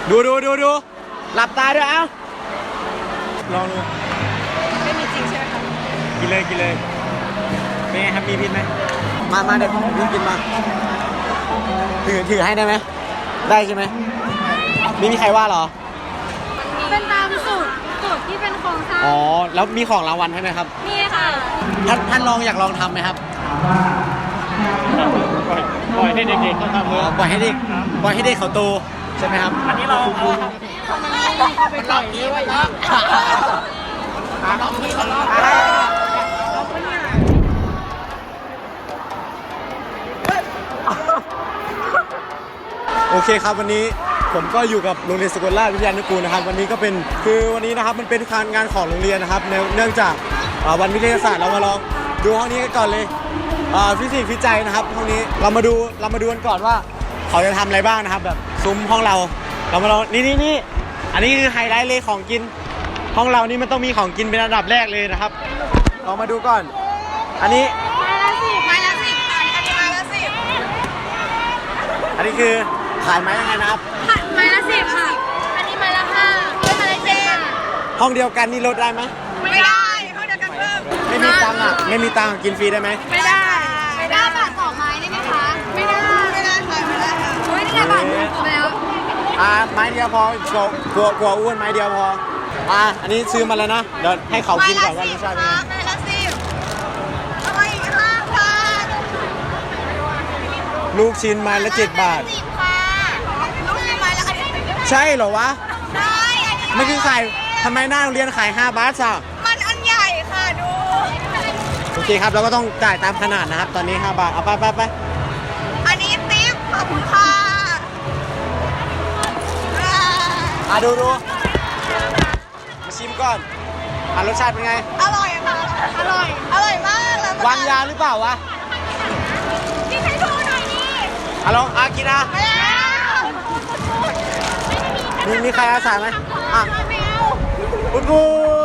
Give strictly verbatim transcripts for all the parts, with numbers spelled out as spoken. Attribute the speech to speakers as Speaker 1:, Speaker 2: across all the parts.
Speaker 1: ดูดูดูดูหลับตาด้วยเอ้าลองดู
Speaker 2: ไม่มีจริงใช่ไหมคะ
Speaker 1: กินเลยกินเลยเป็นไงครับมีพิษไหมมามาเดี๋ยวพี่กินมาถือถือให้ได้ไหมได้ใช่ไหมไม่มีใครว่าหรอ
Speaker 2: เป็นตามสูตรสูตรที่เป็นโครงสร้าง
Speaker 1: อ๋อแล้วมีของรางวัลใช่ไหมครับ
Speaker 2: มีค่ะ
Speaker 1: ท่านท่านลองอยากลองทำไหมครับ
Speaker 3: ปล่อยให้เด็กๆเขาทำเลย
Speaker 1: ปล่อยให้เด็กปล่อยให้เด็กเขาโตใช่ไหมครับ
Speaker 3: อันนี้เราเอาไปปล่อยนี้ไว้นะ
Speaker 1: โอเคครับวันนี้ผมก็อยู่กับโรงเรียนสกลราชวิทยานุกูลนะครับวันนี้ก็เป็นคือวันนี้นะครับมันเป็นการงานของโรงเรียนนะครับเนื่องจากวันวิทยาศาสตร์เรามาลองดูห้องนี้กันก่อนเลยฟิสิกส์ฟิจัยนะครับห้องนี้เรามาดูเรามาดูกันก่อนว่าเขาจะทำอะไรบ้างนะครับแบบซุ้มห้องเราเรามาลองนี่นี่นี่อันนี้คือไฮไลท์เลยของกินห้องเรานี่มันต้องมีของกินเป็นอันดับแรกเลยนะครับเรามาดูก่อนอันนี้
Speaker 2: ไม้ละสิบไม้ละสิบอันนี้ไม้ละสิบ
Speaker 1: อันนี้คือขายไม้ยังไงนะครับ
Speaker 2: ไม้ละสิบค่ะอันนี้ไม้ละห้าเป็นไม้ละเจ็ด
Speaker 1: ห้องเดียวกันนี่ลดได้ไหม
Speaker 2: ไม่ได้ห้องเดียวกันเพิ่ม
Speaker 1: ไม่มีตังค์อ่ะไม่มีตังค์กินฟรีได้ไหม
Speaker 2: ไม่ได้ไม่ได้บาทต่อไม้ได้ไหมคะไม่ได้ไม่ได้ค่ะไม่ได้ค่ะโอ้ยนี่ไงบาทหนึ่งแล้ว
Speaker 1: อ่าไม้เดียวพอกลัวกลัวกลัวอ้วนไม้เดียวพออ่าอันนี้ซื้อมาแล้วนะเดี๋ยวให้เขากินก่อนว่ารสชาติเป็นไง
Speaker 2: ไม้ละสิบเอาไปอีกห้าบาท
Speaker 1: ลูกชิ้นไม้ละเจ็ดบาท
Speaker 2: สิบค่ะลูกชิ้นไม้ละ
Speaker 1: ใช่เหรอวะ
Speaker 2: ใช่
Speaker 1: ไม่คือขายทำไมหน้าโรงเรียนขายห้าบาทอ่ะ
Speaker 2: มันอันใหญ่ค่ะดู
Speaker 1: โอเคครับเราก็ต้องจ่ายตามขนาดนะครับตอนนี้ห้าบาทเอาไปไปไป
Speaker 2: อันนี้ติ๊บขอบคุณค่ะ
Speaker 1: อ่ะดูดูมาชิมก่อนอ่ะรสชาติเป็นไง
Speaker 2: อร่อยค่ะอร่อยอร่อยมากเลยว
Speaker 1: างยาหรือเปล่าวะ
Speaker 2: กินให้ดูหน่อยนี่
Speaker 1: อ่ะลองอ่ะกินอ่ะมีมีใครอาสาไหมอ่ะคุณครู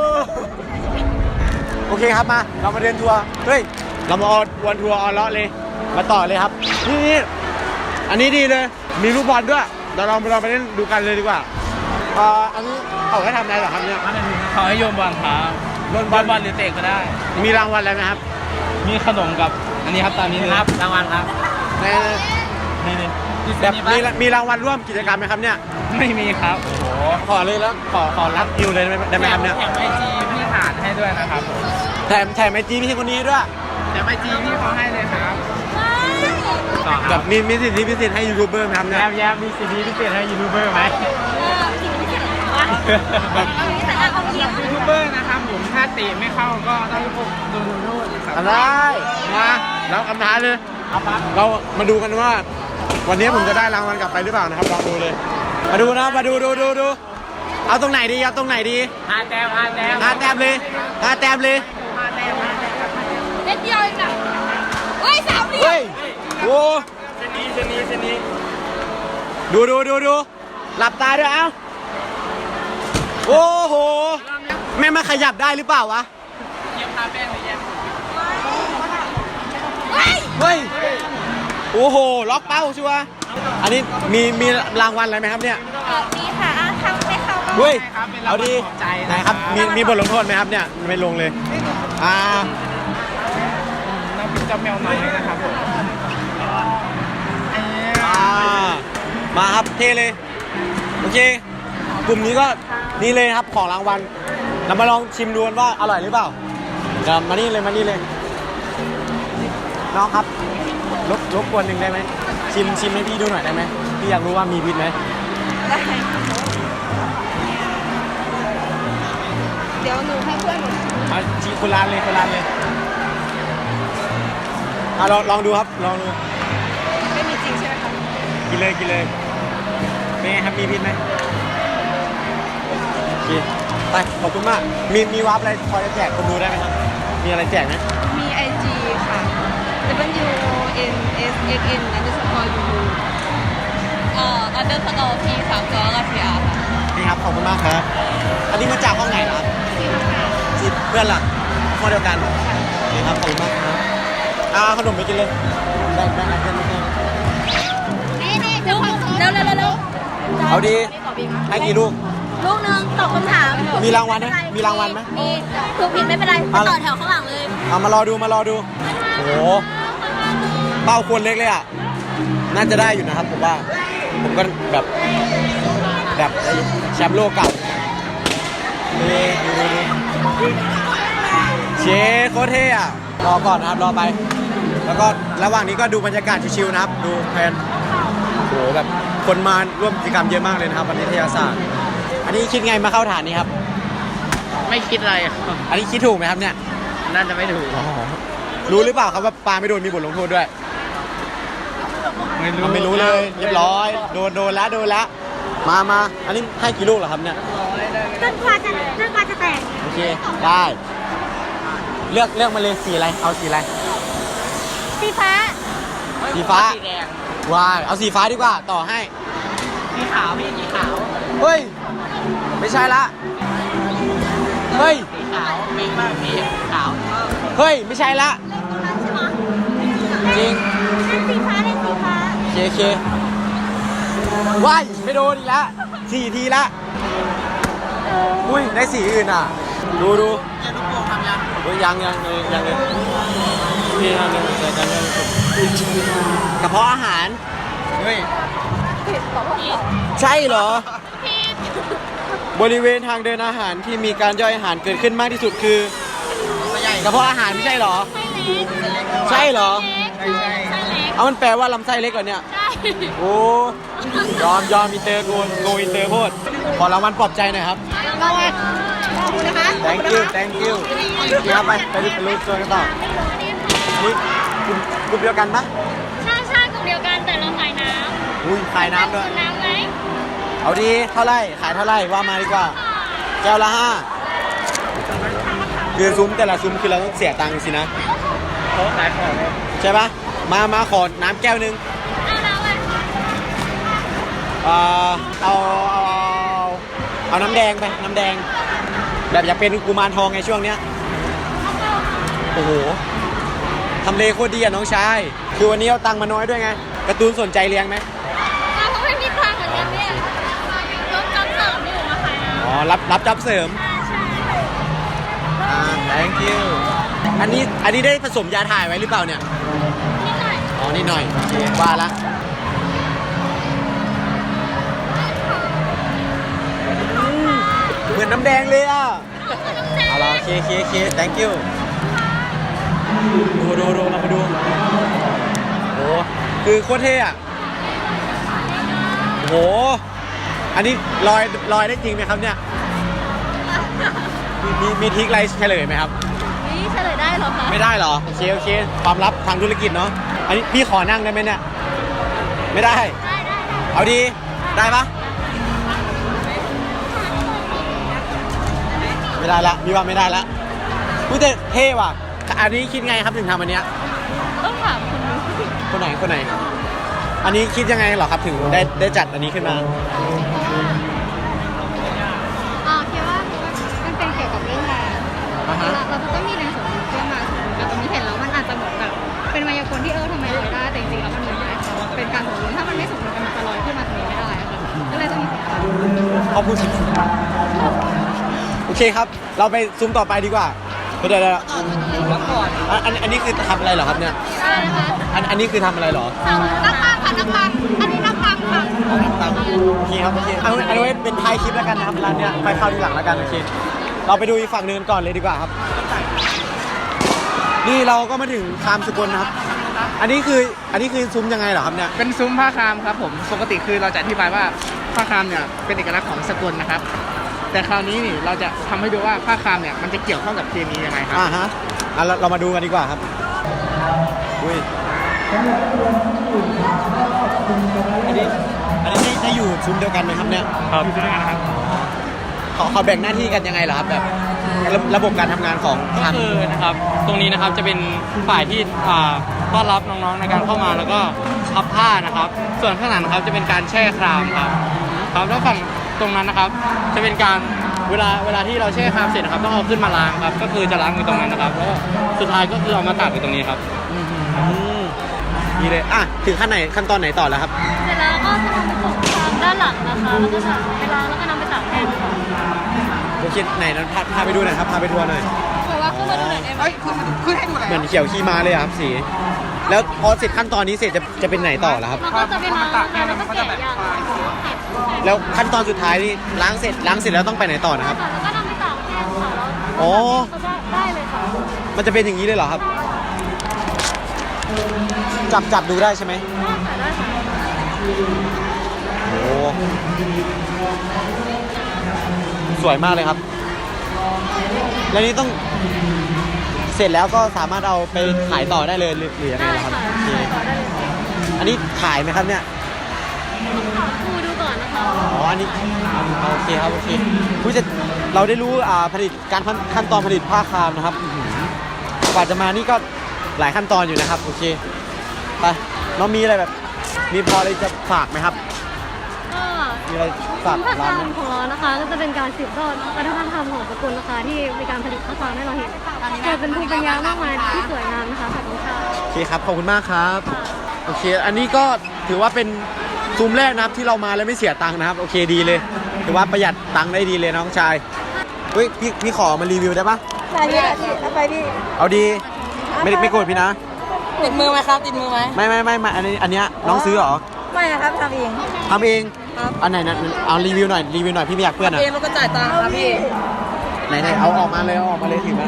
Speaker 1: โอเคครับมาเรามาเดินทัวร์เฮ้ยเรามาออนวันทัวร์ออนเลาะเลยมาต่อเลยครับนี่นี่อันนี้ดีเลยมีลูกบอลด้วยเดี๋ยวเราเราไปเล่นดูกันเลยดีกว่าอ่าอันนี้เขาให้ทำอะไรเหรอครับเนี่ย
Speaker 3: เขาให้โยนบอลครับโยนบอลบอลหรือเตะก็ได้
Speaker 1: มีรางวัลอะไรไหมครับ
Speaker 3: มีขนมกับอันนี้ครับตามนี้เลยครับรางวัลครับ
Speaker 1: นี่นี่แบบมีมีรางวัลร่วมกิจกรรมไหมครับเนี่ย
Speaker 3: ไม่มีครับโอ้โห
Speaker 1: ขอเลยแล้วขอขอรับคิวเลยได้ไหมครับเนี่ย
Speaker 3: แถมไอจีพี่หานให้ด้วยนะครับ
Speaker 1: แถมแถมไอจีพี่คนนี้ด้วย
Speaker 3: แถมไอจีพี่เขาให้เลยครับ
Speaker 1: แบบมีมีสิทธิพิเศษให้ยูทูบเบอร์ไหมครับเนี่ย
Speaker 3: แย้มแย้มมีสิทธิพิเศษให้ยูทูบเบอร์ไหมยูทูบเบอร์นะครับผมถ้าตีไม่เข้าก็ต้องโดนโทษครับ
Speaker 1: ได้มาแล้วคำท้าเลยเรามาดูกันว่าวันนี้ผมจะได้รางวัลกลับไปหรือเปล่านะครับลองดูเลยมาดูนะมาดูดูดูดูเอาตรงไหนดีเอาตรงไหนดี
Speaker 3: ห้าแต้มห้าแต้ม
Speaker 1: ห้าแต้มเลยห้าแต้มเลย
Speaker 2: เล็กเดียวเองนะเฮ้ยสามเหลี่ยม
Speaker 1: เฮ้ยโว้
Speaker 3: เส้นนี้เส้นนี้เส้นนี้
Speaker 1: ดูดูดูดูหลับตาด้วยเอ้าโอ้โหแม่มาขยับได้หรือเปล่าวะ
Speaker 3: เยี่ยมพาแป้งเลยเยี่ยม
Speaker 1: เฮ้ยโอ้โหล็อกเป้าชัวร์อันนี้มีมีรางวัลอะไรไหมครับเนี่ย
Speaker 2: มีค่ะทำให้เขา
Speaker 1: เฮ้ยเอาดีไหนครับมีมีบทลงโทษไหมครับเนี่ยไม่ลงเลยอ่า
Speaker 3: น้ำพริกเจ้าแมวน้อยนะครับผม
Speaker 1: อ่ามาครับเทเลยโอเคกลุ่มนี้ก็นี่เลยครับของรางวัลเรามาลองชิมดูกันว่าอร่อยหรือเปล่าเดี๋ยวมานี่เลยมานี่เลยน้องครับรบรบกวนหนึ่งได้ไหมชิมชิมให้พี่ดูหน่อยได้ไหมพี่อยากรู้ว่ามีพิษไหม
Speaker 2: ได้เดี๋ยวหนูให้เพื่อนหนู
Speaker 1: มาชิมคนร้านเลยคนร้านเลยอ่ะลองลองดูครับลองดู
Speaker 2: ไม่มีจริงใช่ไหมคะ
Speaker 1: กินเลยกินเลยเป็นไงครับมีพิษไหมโอเคไปขอบคุณมากมีมีวาร์ปอะไรพอจะแจกคนดูได้ไหมครับมีอะไรแจกไหม
Speaker 2: มี ไอ จี ค่ะ W N S X N อันเดอร์สกอร์ ยู เอ่อ อันเดอร์สกอร์ P สามตัวก็ ที อาร์ ค่ะ
Speaker 1: นี่ครับขอบคุณมากครับอันนี้มาจากห้องไหนครับสิเพื่อนหลักห้องเดียวกันนี่ครับขอบคุณมากครับอ่าขนมไปกินเลยแบ่งแบ่งกันเพื่อนเพื่อน
Speaker 2: นี่นี่เดี๋ยวเร็วเร็วเร็ว
Speaker 1: เอาดีให้กี่ลูก
Speaker 2: ลูกหนึงตอบคำถาม
Speaker 1: มีรางวัลไหมมีรางวัลไหม
Speaker 2: มีถูกผิดไม่เป็นไรไปต่อแถวข้างหลังเลย
Speaker 1: เอามารอดูมารอดูโอ้โหเป้าควรเล็กเลยอ่ะน่าจะได้อยู่นะครับผมว่าผมก็แบบแบบแชมป์โลกเก่านี่ดูดูดูเชฟโคตรเท่อะรอก่อนนะครับรอไป แล้วก็ระหว่างนี้ก็ดูบรรยากาศชิวๆนะครับดูแพนโอ้โหแบบคนมาร่วมกิจกรรมเยอะมากเลยนะครับวันนี้วิทยาศาสตร์อันนี้คิดไงมาเข้าฐานนี้ครับ
Speaker 3: ไม่คิดอะไรครับ
Speaker 1: อันนี้คิดถูกไหมครับเนี่ย
Speaker 3: น่าจะไม่ถูก
Speaker 1: รู้หรือเปล่าครับว่าปลาไม่โดนมีบทลงโทษด้วย
Speaker 3: ไม่รู้
Speaker 1: มันไม่รู้เลยเรียบร้อยโดนโดนแล้วโดนแล้วมามาอันนี้ให้กี่ลูกเหรอครับเนี่ย
Speaker 2: จนกว่าจะจนกว่าจะแตก
Speaker 1: โอเคได้เลือกเลือกมาเลยสีอะไรเอาสีอะไร
Speaker 2: สีฟ้า
Speaker 1: สีฟ้า
Speaker 3: สีแดง
Speaker 1: ว้ายเอาสีฟ้าดีกว่าต่อให้
Speaker 3: สีขาวพี่สีขาว
Speaker 1: เฮ้ยไม่ใช่ละเฮ้ย
Speaker 3: สีขาวเป็นมากพี่ขาว
Speaker 1: เฮ้ยไม่ใช่ละ
Speaker 2: ใช่ไหม
Speaker 1: จริง
Speaker 2: เล่นสีฟ้าเล่นสีฟ้า
Speaker 1: เคเคว้ายไม่โดนอีกแล้วสี่ทีละอุ้ยได้สีอื่นอ่ะดูดู
Speaker 3: เจลูกโป่งทำยัง
Speaker 1: เฮ้ยยังยังเลยยังเลยพี่ทำเลยเจอกันเลยกระเพาะอาหาร
Speaker 3: เฮ้ย
Speaker 1: ใช่เหรอ บริเวณทางเดินอาหารที่มีการย่อยอาหารเกิดขึ้นมากที่สุดคือกระเพาะอาหารไม่ใช่เหรอ ใช่เหรอ
Speaker 3: ใช่ใช่
Speaker 1: เอามันแปลว่าลำไส้เล็กเหรอเนี่ย โอ้ยอมยอมอินเตอร์โกโกอินเตอร์โคตรขอรางวัลปลอบใจหน่อยครับ
Speaker 2: รางวัลขอบคุณนะคะ
Speaker 1: thank you thank you เดี๋ยวไปไปดูไปรู้ตัวกันต่ออันนี้กลุ่มกลุ่มเดียวกันปะ
Speaker 2: ใช่ใช่กลุ่มเดียวกันแต่เราขายน้
Speaker 1: อุ้ยขาย
Speaker 2: ำ
Speaker 1: น้ำด้วย
Speaker 2: คุณน้ำไหม
Speaker 1: เอาดีเท่าไหร่ขายเท่าไหร่ว่ามาดีกว่าแก้วละห้าคือซุ้มแต่ละซุ้มคือเราต้องเสียตังค์สินะ
Speaker 3: เขาขายของเลย
Speaker 1: ใช่ปะมามาขอน้ำแก้วหนึง
Speaker 2: เอาน้ำอะไร
Speaker 1: เอ่อเอาเอาเอาเอาน้ำแดงไปน้ำแดง แบบอยากเป็นกุมารทองไงช่วงเนี้ยโอ้โหทำเลโคตรดีอะน้องชายคือวันนี้เอาตังค์มาน้อยด้วยไงการ์ตูนสนใจเลี้ยงไหม
Speaker 2: เราก็ไม่มีตังค์เหมือนกันเนี่ยรถจำเสริมอยู่มาขายน้ำ
Speaker 1: อ๋อรับรับจ็อบเสริม
Speaker 2: ใช่ใช่
Speaker 1: อ่า thank you อันนี้อันนี้ได้ผสมยาถ่ายไว้หรือเปล่าเนี่ย
Speaker 2: นิดหน่อย
Speaker 1: อ๋อนิดหน่อยโอเคว่าละอืมเหมือนน้ำแดงเลยอ่ะเอาละโอเคโอเคโอเค thank you ดูดูดูเรามาดูโอ้คือโคตรเท่อะโอ้โหอันนี้ลอยลอยได้จริงไหมครับเนี่ยมีมีมีทริกอะไรเฉลยไหมครับ
Speaker 2: นี่เฉลยได้เหรอคะ
Speaker 1: ไม่ได้เหรอโอเคโอเคความลับทางธุรกิจเนาะอันนี้พี่ขอนั่งได้ไหมเนี่ยไม่ได้
Speaker 2: ได้ได้ได้
Speaker 1: เอาดีได้ปะไม่ได้ละพี่ว่าไม่ได้ละพูดแต่เท่ว่ะอันนี้คิดไงครับถึงทำอันเนี้ย
Speaker 2: ต้องถามคุณดู
Speaker 1: คนไหนคนไหน อันนี้คิดยังไงเหรอครับถึงได้ได้จัดอันนี้ขึ้นมา
Speaker 4: อ๋อคิดว่ามันเป็นเกี่ยวกับเรื่องแรง
Speaker 1: อ่าฮะ
Speaker 4: เราเราจะต้องมีแรงสมดุลขึ้นมาแต่ตรงนี้เห็นแล้วมันอาจจะเหมือนแบบเป็นมายากลที่เออทำไมลอยได้แต่จริงๆแล้วมันมีได้ค่ะเป็นการสมดุลถ้ามันไม่สมดุลกันมันจะลอยขึ้นมาตรงนี้ไม่ได้อะค่ะก็เลยต้องมีสมดุล
Speaker 1: เขาพูดจริงโอเคครับ เราไปซุ้มต่อไปดีกว่าเดี๋ยวเดี๋ยวเดี๋ยวอันอันอันนี้คือทำอะไรเหรอครับเนี่ย
Speaker 4: อะไรนะคะ
Speaker 1: อันอันนี้คือทำอะไรเหรอ
Speaker 4: นักปังค่ะนักปังอันนี้นักปังค่ะ
Speaker 1: ตังโอเคครับโอเคเอาอันนี้ไว้เป็นท้ายคลิปแล้วกันนะครับร้านเนี้ยไปเข้าทีหลังแล้วกันโอเคเราไปดูอีกฝั่งหนึงกันก่อนเลยดีกว่าครับ นี่เราก็มาถึงคามสกลนะครับ อันนี้คืออันนี้คือซุ้มยังไงเหรอครับเนี่ย
Speaker 3: เป็นซุ้มผ้าคามครับผมปกติคือเราจะอธิบายว่าผ้าคามเนี่ยเป็นเอกลักษณ์ของสกลนะครับ แต่คราวนี้นี่เราจะทำให้ดูว่าผ้าคามเนี่ยมันจะเกี่ยวข้องกับเคมียังไงครับ
Speaker 1: อ่าฮะอ่ะเราเรามาดูกันดีกว่าครับอุ้ยอันนี้อันนี้ได้ได้อยู่ซุ้มเดียวกันไหมครับเนี่ย
Speaker 3: ครับอยู่ด้วยกันนะครับ
Speaker 1: เขาเขาแบ่งหน้าที่กันยังไงเหรอครับแบบระระบบการทำงานของ
Speaker 5: ก็
Speaker 1: ทาง
Speaker 5: คือนะครับตรงนี้นะครับจะเป็นฝ่ายที่อ่าต้อนรับน้องๆในการเข้ามาแล้วก็พับผ้านะครับ ส่วนข้างหลังนะครับจะเป็นการแช่ครามครับครับแล้วฝั่งตรงนั้นนะครับ จะเป็นการเวลาเวลาที่เราแช่ครามเสร็จนะครับต้องเอาขึ้นมาล้างครับ ก็คือจะล้างอยู่ตรงนั้นนะครับแล้วก็สุดท้ายก็คือเอามาตากอยู่ตรงนี้ครับ
Speaker 1: อืมนี่เลยอ่ะถึงขั้นไหนขั้นตอนไหนต่อแล้วครับ
Speaker 2: เสร็จแล้วก็จะมาผสมคามด้านหลัง
Speaker 4: ตักนะคะแล้วก็ตักไปล้างแล้วก็นำไปตากแห้งค่ะ
Speaker 1: โอเคไหนนั้นพาพาไปดูหน่อยครับพาไปทัวร์หน่อย
Speaker 2: บอกว่าขึ้นมาดูหน่อยได้ไหม
Speaker 3: เฮ้ยขึ้นขึ้นให้ดูหน่อย
Speaker 1: เหมือนเขียวขี้ม้าเลยอะครับสี แล้วพอเสร็จขั้นตอนนี้เสร็จจะจะเป็นไหนต่อแล้วครับ
Speaker 4: แล้วก็จะไปล้างนะคะแล้วก็แกะยางค่ะ
Speaker 1: แล้วขั้นตอนสุดท้ายนี่ล้างเสร็จล้างเสร็จแล้วต้องไปไหนต่อนะครับ
Speaker 4: แล้วก็นำไปตากแห้งค่ะแล้ว
Speaker 1: อ๋อ
Speaker 4: ก็ได้ได้เลยค่ะ
Speaker 1: มันจะเป็นอย่างนี้เลยเหรอครับ จับจับดูได้ใช่ไหม
Speaker 4: ได้ค่ะได้ค่ะ
Speaker 1: โอ้สวยมากเลยครับ แล้วนี่ต้องเสร็จแล้วก็สามารถเอาไปขายต่อได้เลยหรือหรือยังไง
Speaker 4: ได้
Speaker 1: ล่ะครับ
Speaker 4: ค่ะ
Speaker 1: โอเค
Speaker 4: ได้ต่อได้เลยค่ะ
Speaker 1: อันนี้ขายไหมครับเนี่ย
Speaker 4: ขอครูดูก่อนนะคะ
Speaker 1: อ๋อ อันนี้โอเคครับ โอเคผู้จะเราได้รู้อ่าผลิตการขั้นขั้นตอนผลิตผ้าครามนะครับอื้อหือกว่าจะมานี่ก็หลายขั้นตอนอยู่นะครับ โอเค ไปน้องมีอะไรแบบ มีพออะไรจะฝากไหมครับ
Speaker 4: ก็
Speaker 1: มีอะไรฝาก
Speaker 4: ผ้า
Speaker 1: ร้าน
Speaker 4: ค
Speaker 1: ไห
Speaker 4: ราม มของเรานะคะ ก็จะเป็นการสืบทอดวัฒนธรรมของสกุลนะคะที่มีการผลิตผ้าครามให้เราเห็นเกิดเป็นภูมิปัญญามากมายที่สวยงามนะคะขอบคุณค่ะ
Speaker 1: โอเคครับ ขอบคุณมากครับ โอเค อันนี้ก็ถือว่าเป็นซุ้มแรกนะครับที่เรามาแล้วไม่เสียตังค์นะครับ โอเคดีเลย ถือว่าประหยัดตังค์ได้ดีเลยน้องชาย เฮ้ยพี่พี่ขอมารีวิวได้ปะ
Speaker 2: ได้พี่พี่เอาไปพี่
Speaker 1: เอาดี ไม่ไม่โกรธพี่นะ
Speaker 2: ติดมือไหมครับติดมือไหม
Speaker 1: ไม่ไม่ไม่ไม่อันนี้อันเนี้ยน้องซื้อเหรอ
Speaker 2: ไม่นะครับทำเอง
Speaker 1: ทำเอง
Speaker 2: ครับ
Speaker 1: อันไหนนะเอารีวิวหน่อยรีวิวหน่อยพี่ไม่อยากเพื่อนอ่ะ
Speaker 2: เองแล้วก็จ่ายตังค์ครับพี่
Speaker 1: ไหนไหนเอาออกมาเลยเอาออกมาเลยถือมา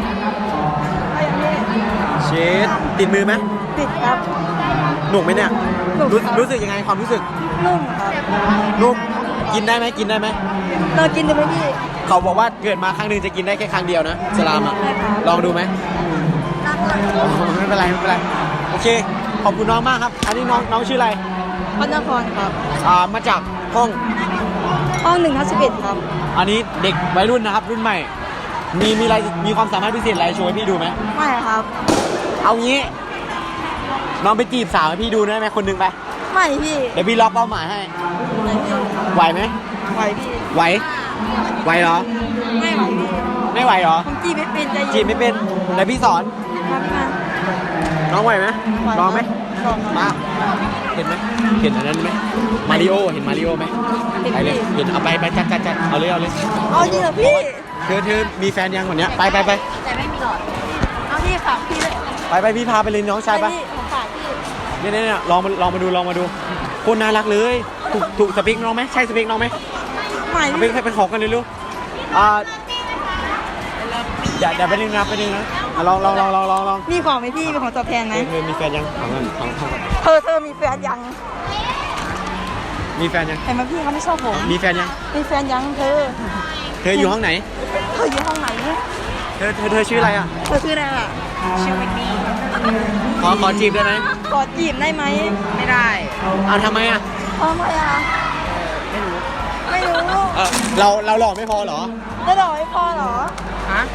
Speaker 1: เชดติดมือไหม
Speaker 2: ติดครับ
Speaker 1: หนุกไหมเนี่ย
Speaker 2: หนุก
Speaker 1: รู้
Speaker 2: ครับ
Speaker 1: รู้สึกยังไงความรู้สึก
Speaker 2: นุ่มครับ
Speaker 1: นุ่มกินได้ไหมกินได้ไหม
Speaker 2: เรากินได้ไหมพี่
Speaker 1: เขาบอกว่าเกิดมาครั้งหนึ่งจะกินได้แค่ครั้งเดียวนะสลามอ่ะ
Speaker 2: ได้ครับ
Speaker 1: ลองดูไหมอ๋อไม่เป็นไรไม่เป็นไรโอเคขอบคุณน้องมากครับ อันนี้น้องน้องชื่ออะไร
Speaker 2: พัฒนครครับ
Speaker 1: อ่ามาจากห้อง
Speaker 2: ห้องหนึ่งทับสิบเอ็ดครับ
Speaker 1: อันนี้เด็กวัยรุ่นนะครับ รุ่นใหม่ มีมีอะไรมีความสามารถพิเศษอะไรโชว์ให้พี่ดูไหม
Speaker 2: ไม่ครับ
Speaker 1: เอางี้น้องไปจีบสาวให้พี่ดูได้ไหมคนหนึงไป
Speaker 2: ไม่พี่
Speaker 1: เดี๋ยวพี่ล็อกเป้าหมายให้
Speaker 2: ไม่พี่
Speaker 1: ไหวไหม
Speaker 2: ไหวพี่
Speaker 1: ไหวไหวเหรอ
Speaker 2: ไม่ไหวพี่
Speaker 1: ไม่ไหวเหรอ
Speaker 2: ผมจีบไม่เป็นใจ
Speaker 1: จี
Speaker 2: เย็
Speaker 1: บ
Speaker 2: น
Speaker 1: ไม่เป็นเดี๋ยวพี่สอน
Speaker 2: ครับมา
Speaker 1: น้องไหวไหม
Speaker 2: ไหว
Speaker 1: ลองไหม
Speaker 2: ลองครับ
Speaker 1: มาเห็นไหมเห็นอันนั้นไหมมาริโอเห็นมาริโอไหม
Speaker 2: เห็น
Speaker 1: ไปเลย
Speaker 2: พี่
Speaker 1: เห็นเอาไปไปจัดจัดจัดเอาเลยเอาเลย
Speaker 2: เอาจริงเหรอพี่
Speaker 1: เธอเธอมีแฟนยังวันเนี้ยไปไปไป
Speaker 2: แต่ไม่มีหลอด เอาพี่ฝากพี่เลย
Speaker 1: ไปไปพี่พาไปเลยน้องชายปะ
Speaker 2: พี่ผมฝากพี่
Speaker 1: เนี่ยเนี่ยเนี่ยลองมาลองมาดูลองมาดูคนน่ารักเลยถูกถูกสเปคน้องไหมใช่สเปคน้องไหม
Speaker 2: ไม่
Speaker 1: เอาไป
Speaker 2: พี่
Speaker 1: ให้ไปขอกันเลยลูกอ่าอย่าอย่าไปนึงนะไปนึงนะอ่ะลองลองลองลองลองลอง
Speaker 2: มีของไหมพี่มีของตอบแทนไหม
Speaker 1: เธอมีแฟนยังของกันของของ
Speaker 2: เธอเธอมีแฟนยัง
Speaker 1: มีแฟนยัง
Speaker 2: เห็นไหมพี่เขาไม่ชอบผม
Speaker 1: มีแฟนยัง
Speaker 2: มีแฟนยังเธอ
Speaker 1: เธออยู่ห้องไหน
Speaker 2: เธออยู่ห้องไหนเนี่ย
Speaker 1: เธอเธอเธอชื่ออะไรอ่ะ
Speaker 2: เธอชื่ออะไรล่ะชื่อวินนี่
Speaker 1: ขอขอจีบได้ไหม
Speaker 2: กอดจีบได้ไหมไม่ได้
Speaker 1: อ่าทำไมอ่ะ
Speaker 2: ทำไมอ่ะไม่รู้ ไม่รู้
Speaker 1: เออเราเราหล่อไม่พอเหรอ
Speaker 2: แล้วดอกไม่พอเหรอ
Speaker 1: ฮะ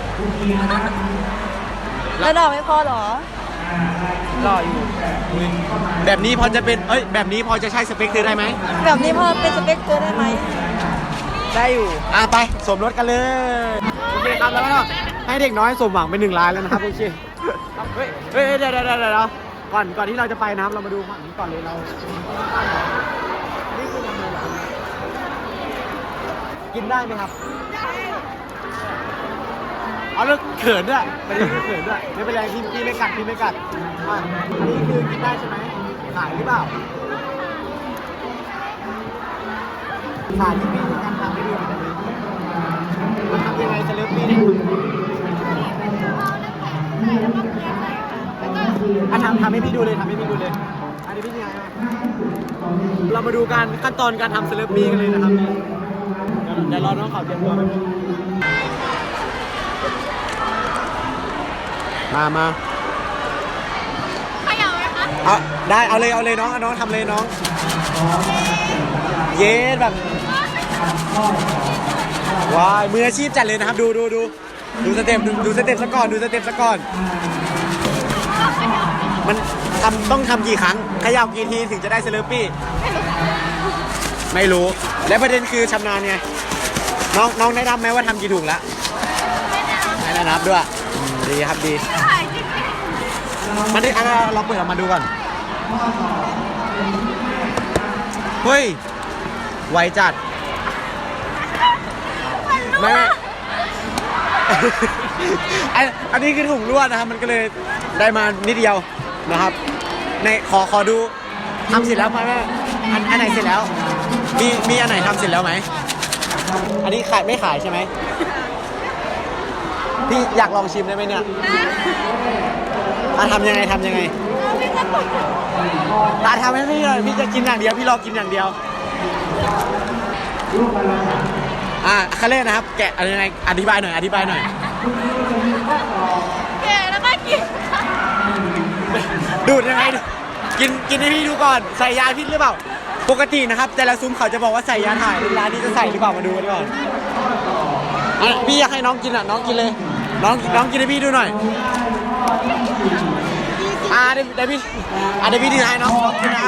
Speaker 2: แล้วดอกไม่พอเหรอ
Speaker 1: หล่ออยู่แบบนี้พอจะเป็นเอ้ยแบบนี้พอจะใช่สเปคเธอได้ไหม
Speaker 2: แบบนี้พอเป็นสเปคเธอได้ไหม
Speaker 1: ได้อยู่อ่ะไปสมรสกันเลยโอเคครับแล้วก็ให้เด็กน้อยสมหวังเป็นหนึ่งล้านแล้วนะครับโอเคเฮ้ยเฮ้ยเดี๋ยวเดี๋ยวเดี๋ยวเดี๋ยวก่อนก่อนที่เราจะไปนะครับเรามาดูฝั่งนี้ก่อนเลยเรานี่คือทำอะไรเหรอกินได้ไหมครับเอาแล้วเขินด้วยประเด็นคือเขินด้วยไม่เป็นไรพี่พี่ไม่กัดพี่ไม่กัดอ่ะอันนี้คือกินได้ใช่ไหมขายหรือเปล่าขายที่พี่ในการทำให้ดูหน่อยได้ไหมมันทำยังไงจะเลิฟพี่เนี่ยอ่ะทำทำให้พี่ดูเลยทำให้พี่ดูเลยอันนี้พี่ยังไงอ่ะเรามาดูการขั้นตอนการทำเซเลบปี้กันเลยนะครับนี่เดี๋ยวรอน้องเขาเตรียมตัวมามาเอาได้เอาเลยเอาเลยน้องเอาน้องทำเลยน้องเย้แบบว้ายมืออาชีพจัดเลยนะครับดูดูดูดูสเต็ปดูดูสเต็ปซะก่อนดูสเต็ปซะก่อนมันทำต้องทำกี่ครั้งเขย่ากี่ทีถึงจะได้เซเลปี้ไม่รู้และประเด็นคือชำนาญไงน้องน้องได้นับไหมว่าทำกี่ถุงแล้วไม่ได้นับด้วยอืมดีครับดีมันได้อ่ะเราเปิดออกมาดูก่อนเฮ้ยไวจัดไม่ไม่ อันอันนี้คือถุงลวดนะครับ มันก็เลยได้มานิดเดียวนะครับในขอขอดูทำเสร็จแล้วไหมแม่อันอันไหนเสร็จแล้ว มีมีอันไหนทำเสร็จแล้วไหมอันนี้ขายไม่ขายใช่ไหมพี่อยากลองชิมได้ไหมเนี่ยอ่ะทำยังไงทำยังไงตาทำให้พี่หน่อยพี่จะกินอย่างเดียวพี่รอกินอย่างเดียวอ่ะคาเล่นะครับแกะอะไรยังไงอธิบายหน่อยอธิบายหน่อย
Speaker 2: แกแล้วก็กิน
Speaker 1: ดูดยังไงกินกินให้พี่ดูก่อนใส่ยาพิษหรือเปล่าปกตินะครับแต่ละซุ้มเขาจะบอกว่าใส่ยาถ่ายร้านนี้จะใส่หรือเปล่ามาดูกันก่อนอ่ะพี่อยากให้น้องกินอ่ะน้องกินเลยน้องน้องกินให้พี่ดูหน่อยอ่าเดี๋ยวเดี๋ยวพี่อ่าเดี๋ยวพี่ถือให้น้องน้องกินนะ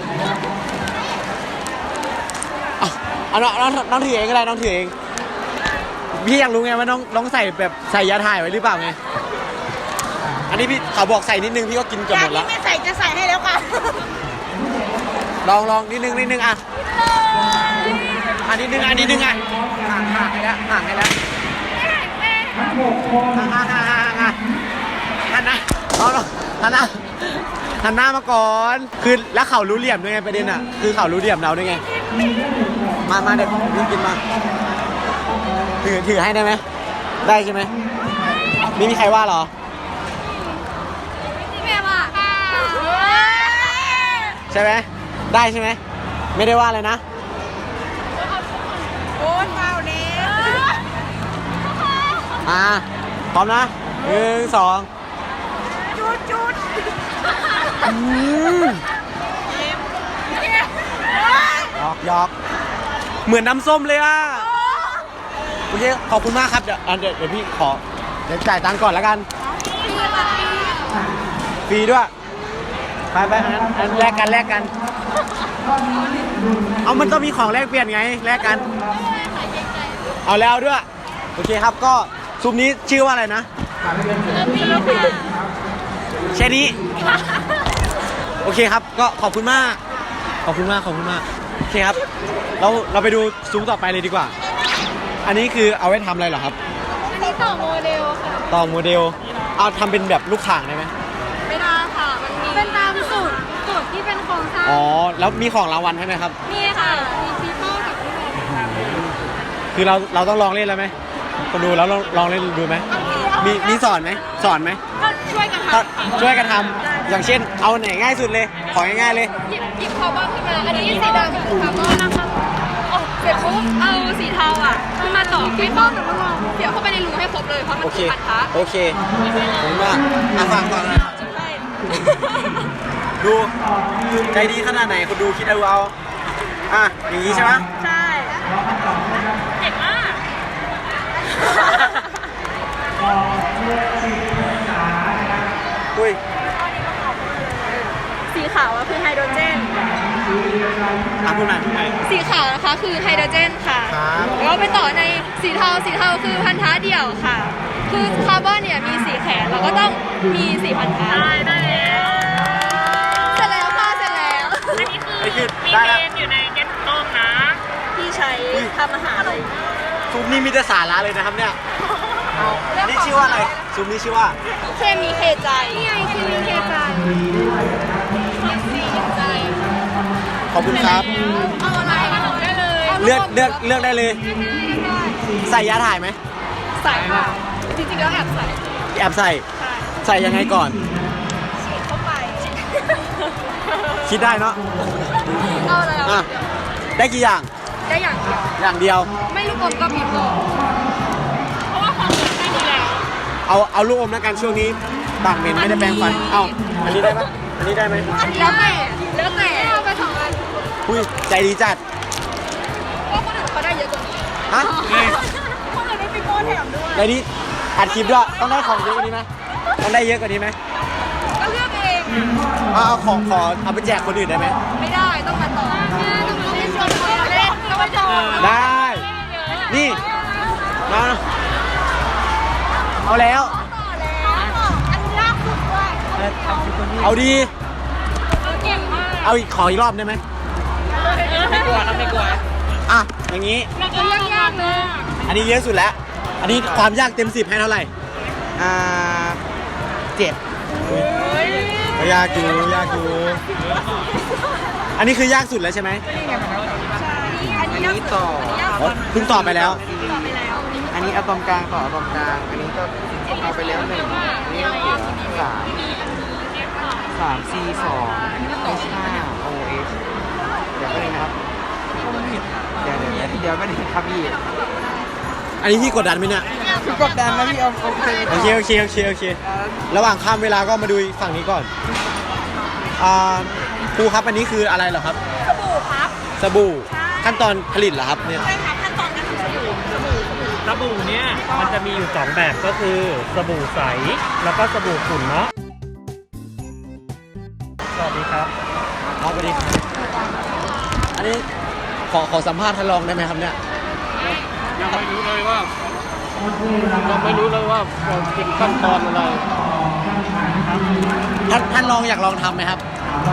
Speaker 1: อ่ะเอาน้องน้องน้องถือเองก็ได้น้องถือเองพี่อยากรู้ไงว่าน้องน้องใส่แบบใส่ยาถ่ายไว้หรือเปล่าไงอันนี้พี่เขาบอกใส่นิดนึงพี่ก็กินเกือบหมดแล้ว
Speaker 2: ไม่ใส่จะใส่ให้แล้วค่ะ
Speaker 1: ลองลองนิดนึงนิดนึงอ่ะอันนิดนึงอันนิดนึงอ่ะห่างห่างให้แล้วห่างให้แล้วห่างห่างห่างห่างห่างหันหน้าเอาหันหน้าหันหน้ามาก่อนคือแล้วเขารู้เหลี่ยมด้วยไงประเด็นอ่ะคือเขารู้เหลี่ยมเราด้วยไงมามาเด็กพี่กินมาถือถือให้ได้ไหมได้ใช่ไหมไม่มีใครว่าหรอ
Speaker 2: ที่แม่ว่า
Speaker 1: ใช่ไหมได้ใช่ไหมไม่ได้ว่าเลยนะ
Speaker 2: โอ้ยเมาเนี้ย
Speaker 1: อ่าพร้อมนะหนึ่งสอง
Speaker 2: จุดจุด
Speaker 1: อืมหยอกหยอกเหมือนน้ำส้มเลยอ่ะโอเคขอบคุณมากครับเดี๋ยวอ่ะเดี๋ยวเดี๋ยวพี่ขอเดี๋ยวจ่ายตังค์ก่อนแล้วกันฟรีด้วยไปไปอันนั้นอันแลกกันแลกกันเอามันต้องมีของแลกเปลี่ยนไงแลกกันเอาแล้วด้วยโอเคครับก็ซุ้มนี้ชื่อว่าอะไรนะแค่นี้โอเคครับก็ขอบคุณมากขอบคุณมากขอบคุณมากโอเคครับเราเราไปดูซุ้มต่อไปเลยดีกว่าอันนี้คือเอาไว้ทำอะไรเหรอครับ
Speaker 4: อันนี้ต่อโมเดลค่ะ
Speaker 1: ต่อโมเดลเอาทำเป็นแบบลูกข่างได้ไหม
Speaker 2: ไม่ได้ค่ะ มันมี
Speaker 4: เป็นตามสูตรสูตรที่เป็นโครงสร้าง
Speaker 1: อ๋อแล้วมีของรางวัลให้ไหมครับ
Speaker 2: มีค่ะ
Speaker 4: มีฟีโต้กับพี่โบ
Speaker 1: คือเราเราต้องลองเล่นแล้วไหมคนดูแล้วลองลองเล่นดูไหมมีมีสอนไหมสอนไหม
Speaker 2: ก็ช่วยกัน
Speaker 1: ก็
Speaker 2: ทำ
Speaker 1: ช่วยกันทำอย่างเช่นเอาไหนง่ายสุดเลยของง่ายๆเลย
Speaker 2: หยิบหยิบคาร์บอนขึ้นมา อันนี้สีดำคือคาร์บอนนะคะโอ้เสร็จปุ๊บเอาสีเทาอ่ะขึ้นมาต่อไม่ต้องเดี๋ยวเข้าไปในรูให้ครบเลย เพราะมัน
Speaker 1: โอเค
Speaker 2: คือพันธะ
Speaker 1: โอเคผมว่าอ่ะฟังก่อนนะ
Speaker 2: ใช่
Speaker 1: ดูใจดีขนาดไหนคนดูคิดเอาเอาอ่ะอย่างนี้ใช่ไหม
Speaker 2: ใช่เจ๋งมาก
Speaker 1: อุ้ย
Speaker 2: สีขาวอะคือไฮโดรเจน
Speaker 1: อ่ะพูดหน่อยพูดหน่อย
Speaker 2: สีขาวนะคะคือไฮโดรเจนค่ะ
Speaker 1: ครับ
Speaker 2: แล้วไปต่อในสีเทา สีเทาคือพันธะเดี่ยวค่ะ คือคาร์บอนเนี่ยมีสีแขนเราก็ต้องมีสีพันธะได้ได้แล้วเสร็จแล้วค่ะเสร็จแล้ว อันนี้คือ
Speaker 1: ไอ้คือได้แล้ว
Speaker 2: อยู่ในแก๊สต้มนะ ที่ใช้ทำอาหารอะไร
Speaker 1: ซุ้มนี้มีแต่สาระเลยนะครับเนี่ยนี่ชื่อว่าอะไรซุ้มนี้ชื่อว่า
Speaker 2: เคมีเคใจนี่ไงเคมีเคใจเคใจ
Speaker 1: ขอบคุณครับ
Speaker 2: เอาอะไรมาเอาได้เลย
Speaker 1: เลือกเลือกเลือกได้เลย ใส่ยาถ่ายไหม
Speaker 2: ใส่ค่ะจริงๆแล้วแอบใส่
Speaker 1: แอบใส่
Speaker 2: ใช่
Speaker 1: ใส่ยังไงก่อน
Speaker 2: ฉีดเข้าไป
Speaker 1: คิดได้เนาะ
Speaker 2: เอาอะไรเอา
Speaker 1: อ่ะได้กี่อย่าง
Speaker 2: ได้อย่างเดียว
Speaker 1: อย่างเดียว
Speaker 2: ไม่ลูกอมก็บีบบอกเพราะว่าความเหมือนแค่นี้แหละ
Speaker 1: เอาเอาลูกอมแล้วกันช่วงนี้ปากเหม็นไม่ได้แปรงฟันเอ้าอันนี้ได้ปะอันนี้ได้ไหม
Speaker 2: แล้วแต่แล้วแต่เอาไปสองอัน
Speaker 1: อุ้ยใจดีจัด
Speaker 2: เพราะคนอื่นเขาได้เยอะกว่านี้
Speaker 1: ฮะ
Speaker 2: คนอื่นได้ปีโป้แถมด้วย
Speaker 1: ในนี้อัดคลิปด้วยต้องได้ของเยอะกว่านี้ไหมต้องได้เยอะกว่านี้ไหม
Speaker 2: ก็เลือกเอง
Speaker 1: เอาเอาของขอเอาไปแจกคนอื่นได้ไหม
Speaker 2: ไม่ได้ต้องมาต่อต้องมาเล่นชวนคนมาเล่นต้องมาต่อ
Speaker 1: ได้ นี่มาเอาแล้ว
Speaker 2: ต่อแล้วอันนี้ยากสุดด้วย
Speaker 1: เอาดี
Speaker 2: เก่งมาก
Speaker 1: เอาอีกขออีกรอบได้ไหม
Speaker 3: ไม่กลัวครับไม่กลัว
Speaker 1: อ่ะอย่างนี้
Speaker 2: ยากๆเลย
Speaker 1: อันนี้เยอะสุดแล้ว อันนี้ความยากเต็มสิบให้เท่าไหร่
Speaker 3: อ่าเจ็ด
Speaker 1: ยากอยู่ยากอยู่อันนี้คือยากสุดแล้วใช่ไหม
Speaker 3: อันนี้ต่อ
Speaker 1: อ๋อเพิ่งตอบไปแล้ว
Speaker 3: อันนี้อะตอมกลางต่ออะตอมกลาง อันนี้ก็เอาไปแล้วหนึ่งอันนี้เหลือสามสามซีสองเอชห้าโอเอชเดี๋ยวก็นี้นะครับเดี๋ยวเดี๋ยวเดี๋ยวก็นี้ครับพี่
Speaker 1: อันนี้พี่กดดันไหมเนี่ย
Speaker 3: กดดันนะพี่เอาโอเค
Speaker 1: โอเคโอเคโอเคโอเค ระหว่างข้ามเวลาก็มาดูฝั่งนี้ก่อนอ่าครูครับอันนี้คืออะไรเหรอครับ
Speaker 2: สบู่ครับ
Speaker 1: สบู่ขั้นตอนผลิตเหรอครับเนี่ย
Speaker 2: ใช่ครับขั้นตอนการทำสบู่สบู่
Speaker 6: สบู่เนี่ยมันจะมีอยู่สองแบบก็คือสบู่ใสแล้วก็สบู่ขุ่นเนาะสวัสดีครับ
Speaker 1: ครับสวัสดีครับอันนี้ขอขอสัมภาษณ์ท่านรองได้ไหมครับเนี่ย
Speaker 5: ยังไม่รู้เลยว่ายังไม่รู้เลยว่าเป็นขั้นตอนอะไร
Speaker 1: ท่านท่านรองอยากลองทำไหมครับ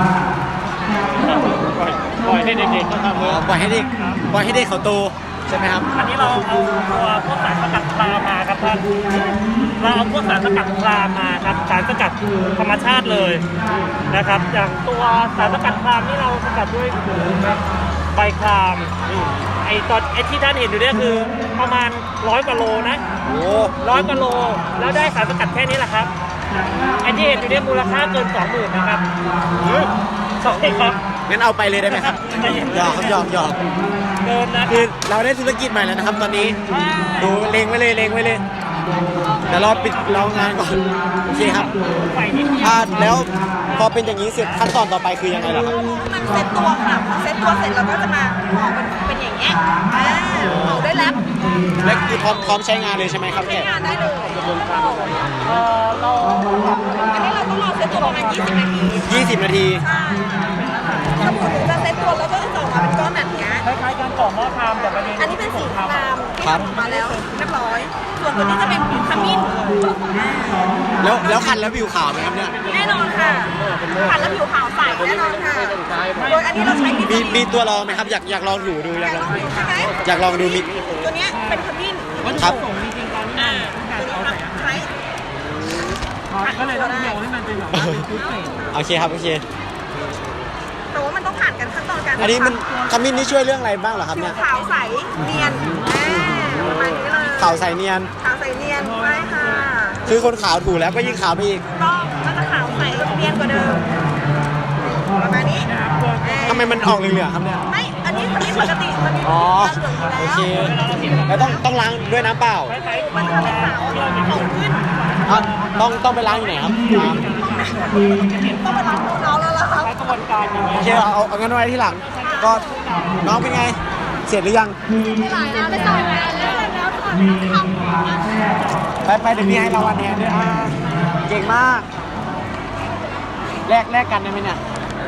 Speaker 5: ปล่อยปล่อยให้เด็กๆเขาทำเล
Speaker 1: อ๋
Speaker 5: ย
Speaker 1: อปล่อยให้เด็กปล่อยให้เด็กเขาโตใช่ไหมครับ
Speaker 6: อันนี้เราเอาตัวพวกสารสกัดปลามาครับท่านเราเอาพวกสารสกัดปลามาครับสารสกัดธรรมชาติเลยนะครับ อย่างตัวสารสกัดคลามนี่เราสกัดด้วยใบคลามไอตอนไอที่ท่านเห็นอยู่เนี่ยคือประมาณร้อยกว่าโลนะ
Speaker 1: โอ้
Speaker 6: ร้อยกว่าโลแล้วได้สารสกัดแค่นี้แหละครับไอที่เห็นอยู่เนี่ยมูลค่าเกินสองหมื่นนะครับสองครับ
Speaker 1: งั้นเอาไปเลยได้ไหมครับหยอกครับหยอกหยอก
Speaker 6: เกินนะ
Speaker 1: คือเราได้ธุรกิจใหม่แล้วนะครับ ตอนนี้ดูเลงไว้เลยเลงไว้เลยเดี๋ยวรอปิดรองานก่อนโอเคครับ
Speaker 6: ไปนิดเดียว
Speaker 1: อ่าแล้วพอเป็นอย่างนี้เสร็จขั้นตอนต่อไปคือยังไงล่ะครับ
Speaker 2: มันเซ็ตตัวค่ะพอเซ็ตตัวเสร็จเราก็จะมาห่อเป็นเป็นอย่างเงี้ยอ่าห่อด้วยแรป
Speaker 1: และคือพร้อมพร้อมใช้งานเลยใช่ไหมครับ
Speaker 2: ใช้
Speaker 1: เนี่ย
Speaker 2: งานได้เลย
Speaker 6: เอ่อเรา
Speaker 2: อันนี้เราต้องรอเซ็ตตัวประมาณยี่สิบนาที
Speaker 1: ยี่สิบนาที
Speaker 2: ใช่สบู่ถึงจะเซ็ตตัวแล้วก็จะออกมาเป็นก้อนแบบเนี้ย
Speaker 6: คล้ายๆการก่อหม้อทำแต่ประเด็น
Speaker 2: อันนี้เป็นสีครามที่ทำออกมาแล้วเรียบร้อย ส่วนตัวนี้จะเป็นขมิ้น
Speaker 1: แล้วแล้วคันแล้วผิวขาวไหมครับเนี่ย
Speaker 2: แน่นอนค่ะขัดแล้วผิวขาวใสแน่นอนค่ะ โดยอันนี้เราใช้มิ
Speaker 1: มีมีตัวลองไหมครับอยากอยากลองถูดูอยากลอง
Speaker 2: ใช่ไหม
Speaker 1: อยากลองดูมิ
Speaker 2: ตัวเนี้ยเป็นขมิ้น
Speaker 1: ครับ
Speaker 2: อ่าตัวนี้ครับใช้
Speaker 6: ก็เลยต้องโยงให้มันเป็นแบบว่าเป็นชุดเสร็จ
Speaker 1: โอเคครับโอเค
Speaker 2: แต่ว่ามันต้องผ่านกันขั้นตอนการ
Speaker 1: อันนี้มันขมิ้นนี่ช่วยเรื่องอะไรบ้างเหรอครับ
Speaker 2: ผิ
Speaker 1: เนี่
Speaker 2: วย ขาวใสเนียนอ่าประมาณนี้เลย
Speaker 1: ขาวใสเนียน
Speaker 2: ขาวใสเนียนใช่ค่ะ
Speaker 1: คือคนขาวถูแล้วก็ยิ่งขาวไปอีก
Speaker 2: ก็ก็จะขาวใสเนียนกว่าเดิมประมาณนี้อ่า
Speaker 1: ทำไมมันออกเหลืองๆครับเนี่ย
Speaker 2: ไม่ อันนี้อันนี้ปกติมันมี
Speaker 1: อ๋อ
Speaker 2: เหลืองอยู่
Speaker 1: โอเค
Speaker 2: แล้ว
Speaker 1: แล้วต้องต้องล้างด้วยน้ำเปล่า
Speaker 2: มันทำให้ขาวขาวขึ้น
Speaker 1: อ่ะต้องต้องไปล้างอยู่ไหนครับอ่า
Speaker 2: ต้องไปล้างตัวเราแล้วล่ะครับ
Speaker 6: กระบวนการอย่างเงี้ย
Speaker 1: โอเคเอาเอาเอางั้นไว้ที่หลัง ก็น้องเป็นไง เสร็จหรือยัง
Speaker 2: หลายแล้วได้สองแล้วแล้วถอดแล้วทำ
Speaker 1: ไปไปเดี๋ยวพี่ให้รางวัลแทนด้วยอ่าเก่งมาก แลกแลกกันได้ไหมเนี่ย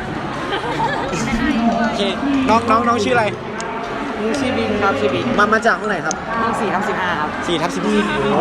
Speaker 1: โอเค น้องน้องน้องชื่ออะไร
Speaker 3: มือชีบินครับชีบิน
Speaker 1: มามาจากห้องไหนครับ
Speaker 3: ห้องสี่ทับสิบห้าครับ
Speaker 1: สี่ทับสิบสี่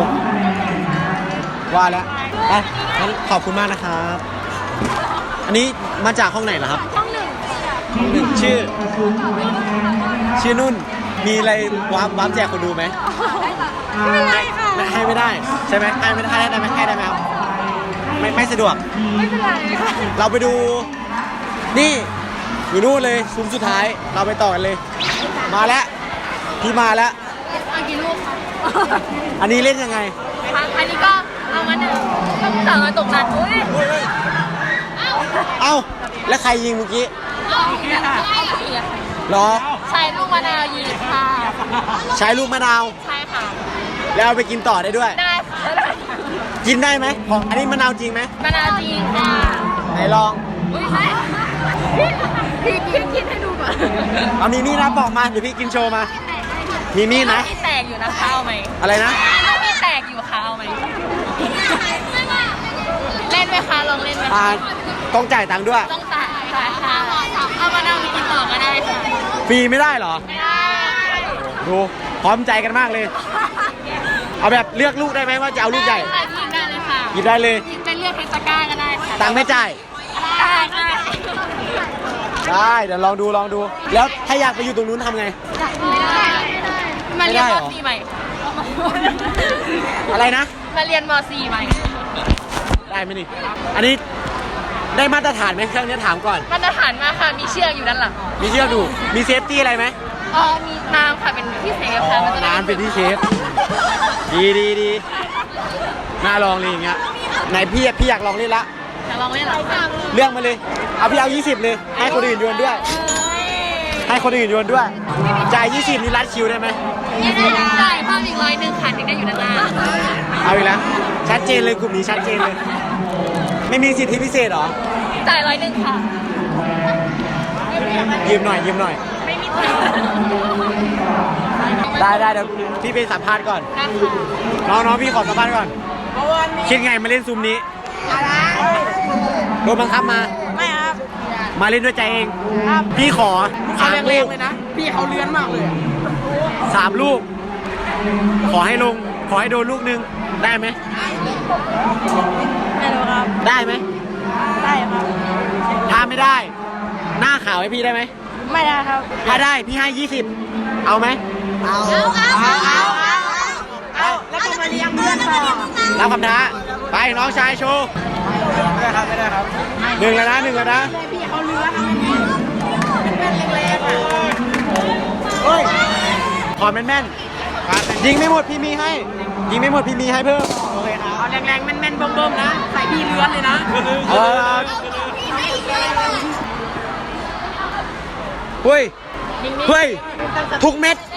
Speaker 1: ว่าแล้วไปงั้นขอบคุณมากนะครับ อันนี้มาจากห้องไหนเหรอครับ
Speaker 2: ช่องหนึ่ง
Speaker 1: ห้องหนึ่งชื่อ ชื่อนุ่น มีอะไรวาร์ปวาร์ปแจกคนดูไหม
Speaker 2: ไม่เป็นไรค่ะ
Speaker 1: ไม่ให้ไม่ได้ ใช่ไหมให้ไม่ได้ให้ได้ไหมให้ได้ไหมครับไม่ไม่สะดวก
Speaker 2: ไม่เป็นไรค่ะ
Speaker 1: เราไปดู นี่อยู่นู่นเลยซุ้มสุดท้าย เราไปต่อกันเลย มาแล้ว พี่มาแล้ว
Speaker 2: เอากี่ลูกคะ
Speaker 1: อันนี้เล่นยังไง
Speaker 2: อันนี้ก็เอามาหนึ่งต้องสั่งมาตกนัดอุ้ย
Speaker 1: เอ้า แล้วใครยิงเมื่อกี้
Speaker 2: เอาเนี่ยค่ะ
Speaker 1: เหรอ
Speaker 2: ใช้ลูกมะนาวยีค่ะ
Speaker 1: ใช้ลูกมะนาว
Speaker 2: ใช่ค่ะ
Speaker 1: แล้วเอาไปกินต่อได้ด้วย
Speaker 2: ได้ค่ะ
Speaker 1: กินได้ไหมของอันนี้มะนาวจริงไหม
Speaker 2: มะนาวจริงค่ะ
Speaker 1: ไหนลอง
Speaker 2: อุ้ยใช่พี่พี่กินให้ดูก่อน
Speaker 1: เอามีมีดนะบอกมา เดี๋ยวพี่กินโชว์มา มีมีดนะ
Speaker 2: มีแตกอยู่นะคะเอาไหม
Speaker 1: อะไรนะ
Speaker 2: มีแตกอยู่ค่ะเอาไหมเล่นไหมคะลองเล่นไหม
Speaker 1: อ่า ต้องจ่ายตังค์ด้วย
Speaker 2: ต้องจ่ายค่ะค่ะเอามะนาวไปกินต่อก็ได้ค่ะ
Speaker 1: ฟรีไม่ได้เหรอ
Speaker 2: ไม่ได้
Speaker 1: ดูพร้อมใจกันมากเลย เอาแบบเลือกลูกได้ไหมว่าจะเอาลูกใหญ่
Speaker 2: ค่ะกินได้เลยค่ะ
Speaker 1: หยิบได้เลย
Speaker 2: จะเลือกเทสก้าก็ได้ค่ะ
Speaker 1: ตังค์ไม่จ่าย
Speaker 2: ได้ได้
Speaker 1: ได้ เดี๋ยวลองดูลองดู แล้วถ้าอยากไปอยู่ตรงนู้นทำไง
Speaker 2: อยากดูได้มาเรียน
Speaker 1: ไม่ได้
Speaker 2: ม
Speaker 1: เหรอ
Speaker 2: .สี่ ใหม่
Speaker 1: อะไรนะ
Speaker 2: มาเรียนม .สี่ ใหม่
Speaker 1: ได้ไหมนี่อันนี้ได้มาตรฐานไหมเครื่องนี้ถามก่อน
Speaker 2: มาตรฐานมากค่ะ มีเชือกอยู่ด้านหลัง
Speaker 1: มีเชือกดูมีเซฟตี้อะไรไหม
Speaker 2: อ๋อมีน้ำค่ะ เป็นที่เซฟค่ะมันจะได้
Speaker 1: น้ำเป็นที่เชฟดีดีดีน่าลองเลยอย่างเงี้ยไหนพี่พี่อยากลองเล่นละ
Speaker 2: จะลองเล่นเหรอ
Speaker 1: เรื่องมาเลยเอาพี่เอายี่สิบเลยให้คนอื่นโยนด้วย ให้คนอื่นโยนด้วยจ่ายยี่สิบนี่รัดคิวได้ไหม
Speaker 2: ยังได้ได้เพิ่มอีกร้อยหนึ่งค่ะถึงได้อยู่ด้านหน้า
Speaker 1: เอาอีกแล้วชัดเจนเลยกลุ่มนี้ชัดเจนเลย ไม่มีสิทธิพิเศษเหรอ
Speaker 2: จ่ายร้อยหนึ่งค่ะ
Speaker 1: ยืมหน่อยยืมหน่อย
Speaker 2: ไม่มีตังค์
Speaker 1: ได้ได้เดี๋ยวพี่ไปสัมภาษณ์ก่อน
Speaker 2: นะคะ
Speaker 1: น้องน้องพี่ขอสัมภาษณ์ก่อนคิดไงมาเล่นซูมนี้โดนบังคับมา
Speaker 3: ไม่ครับ
Speaker 1: มาเล่นด้วยใจเอง พี่ขอ
Speaker 3: เขา
Speaker 1: สาม
Speaker 3: แร
Speaker 1: ลู
Speaker 3: ง
Speaker 1: ก
Speaker 3: ๆเลยนะ พี่เขาเลื้อนมากเลย
Speaker 1: สามลูก ขอให้ลง ขอให้โดนลูกหนึงได้ไหม
Speaker 2: ไม่รู้ครับ
Speaker 1: ได้ไหม
Speaker 2: ได้ครับ
Speaker 1: ถ้าไม่ได้ หน้าขาวให้พี่ได้ไหม
Speaker 2: ไม่ได้ครับ
Speaker 1: ถ้าได้พี่ให้ยี่สิบเอาไหมเอา
Speaker 2: เอาเอาเอาเอา
Speaker 3: เอาแล้วก็มาเลี้ยงเพื่อนต่อ
Speaker 1: รับคำท้าไปน้องชายโชว์
Speaker 3: ไม่ได้ครับ ไม่ได้ครับ
Speaker 1: หนึ่งแล้วนะหนึ่งแล้วนะ
Speaker 3: พี่เขาเลื้อนเป็นแรงๆอ่ะ
Speaker 1: เฮ้ยขอแม่นแม่นๆยิงไม่หมดพี่มีให้ ยิงไม่หมดพี่มีให้เพิ่ม
Speaker 3: โอเคครับ เอาแรงๆ แม่นๆ เบิ่มๆ นะ ใส่พี่เลื้อนเลยนะ
Speaker 1: เออเฮ้ยเฮ้ยทุกเม็ด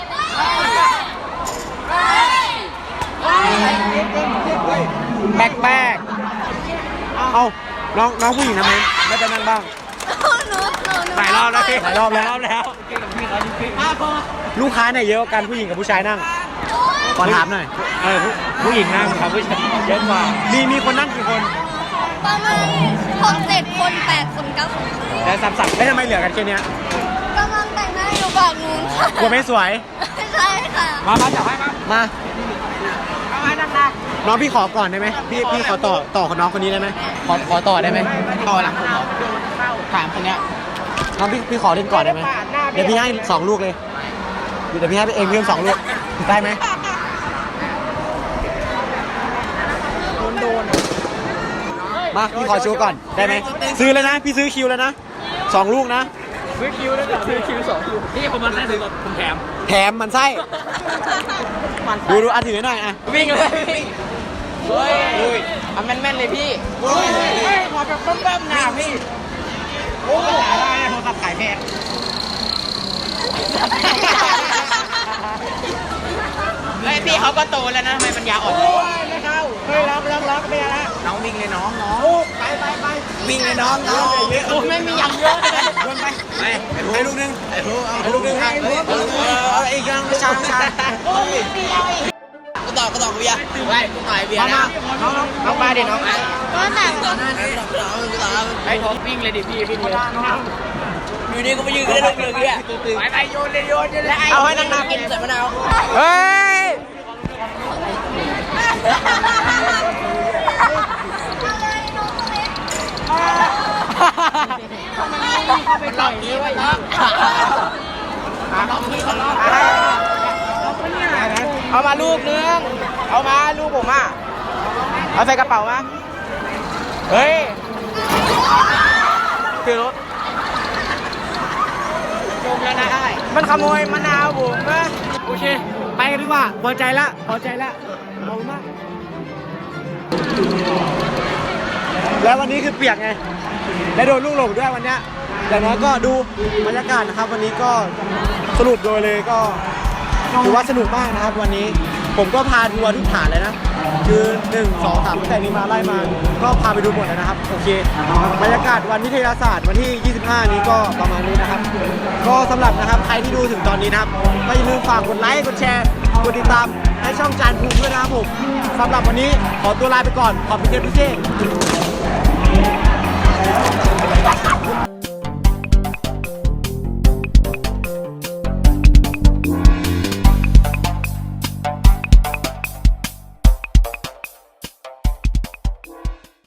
Speaker 1: แบกแบกเอาน้องน้องผู้หญิงทำไมไม่ไปนั่งบ้าง
Speaker 2: หนูหนูหนู
Speaker 1: หลายรอบแล้วพี่หลายรอบแล้วแล้ว ลูกค้าเนี่ยเยอะกว่ากันผู้หญิงกับผู้ชายนั่งขอถามหน่อยเออผู้ผู้หญิงนั่งครับผู้ชายเยอะกว่ามีมีคนนั่งกี่คน
Speaker 2: ประมาณหกเจ็ดคนแปดคนเก้าคน
Speaker 1: แต่สับสับแล้วทำไมเหลือกันแค่เนี้ย
Speaker 2: กำลังแต่งหน้าอยู่ฝั่งนู้นค่ะ
Speaker 1: กลัวไม่สวย
Speaker 2: ใช่ค่ะ
Speaker 1: มามาจับให้มามา
Speaker 3: เอาให้หนัก
Speaker 1: น้องพี่ขอก่อนได้ไหมพี่พี่ขอต่อต่อกับน้องคนนี้ได้ไหมขอขอต่อได้ไหม
Speaker 3: ๆต่อหลังผมถามคนเนี้ย
Speaker 1: น้องพี่พี่ขอเล่นก่อนได้ไหมเดี๋ยวพี่ให้สองลูกเลยเดี๋ยวพี่ให้ไปเองเพิ่มสองลูกได้ไหมโดนมาพี่ขอโชว์ก่อนได้ไหมซื้อแล้วนะพี่ซื้อคิวแล้วนะสองลูกนะ
Speaker 3: ซื้อคิวแล้วซื้อคิวสองคิวพี่ผมมาได้ซื้อผมแถม
Speaker 1: แถมมันไส้ดูดูอ่ะถือให้หน่อยอ่ะ
Speaker 3: วิ่งเลยวิ่งเฮ้ยเอาแม่นๆ เลยพี่เฮ้ยขอแบบเบิ่มๆนะพี่ โอ้ยหลายได้โทรศัพท์ขายแพงเฮ้ยพี่เขาก็โตแล้วนะทำไมปัญญาอ่อนโอ้ยไม่เข้าเฮ้ยล็อกล็อกล็อกไม่เอาละน้องวิ่งเลยน้องน้องไปไปไปวิ่งเลยน้องน้องโอ้ยไม่มีอย่างเยอะเลยโดนไปไปให้ลูกนึงให้ลูกนึงให้เอาอีกยังไม่ช้าช้าก็ต่อก็ต่อกูยาไปกูต่อยเบียร์นะน้องน้องมาดิน้อง
Speaker 2: ก็แต่ง
Speaker 3: ไอ้ผมวิ่งเลยดิพี่วิ่งเลยอยู่นี่ก็ไปยืนกันได้ลูกเรือกี้ไปไปโยนเลยโยนเลยเอาให้นางๆกินใส่มะนาวเฮ้ยไปต่อยนี่ไว้เอามาลูกนึงเอามาลูกผมอ่ะเอาใส่กระเป๋ามาเฮ้ยคือรถจมแล้วนะไอ้มันขโมยมะนาวผมนะโอเค
Speaker 1: ไปกันดีกว่าพอใจละพอใจละขอบคุณมากแล้ววันนี้คือเปียกไงและโดนลูกหลงด้วยวันเนี้ยอย่างน้อยก็ดูบรรยากาศนะครับ วันนี้ก็สรุปโดยเลยก็ถือว่าสนุกมากนะครับ วันนี้ผมก็พาทัวร์ทุกฐานเลยนะคือหนึ่ง สอง สามตั้งแต่นี้มาไล่มาก็พาไปดูหมดแล้วนะครับโอเคบรรยากาศวันวิทยาศาสตร์วันที่ยี่สิบห้านี้ก็ประมาณนี้นะครับ ก็สำหรับนะครับใครที่ดูถึงตอนนี้นะครับก็อย่าลืมฝากกดไลค์กดแชร์กดติดตามให้ช่องจานภูมิด้วยนะครับผมสำหรับวันนี้ขอตัวลาไปก่อนขอบคุณเจ้าพี่เจ้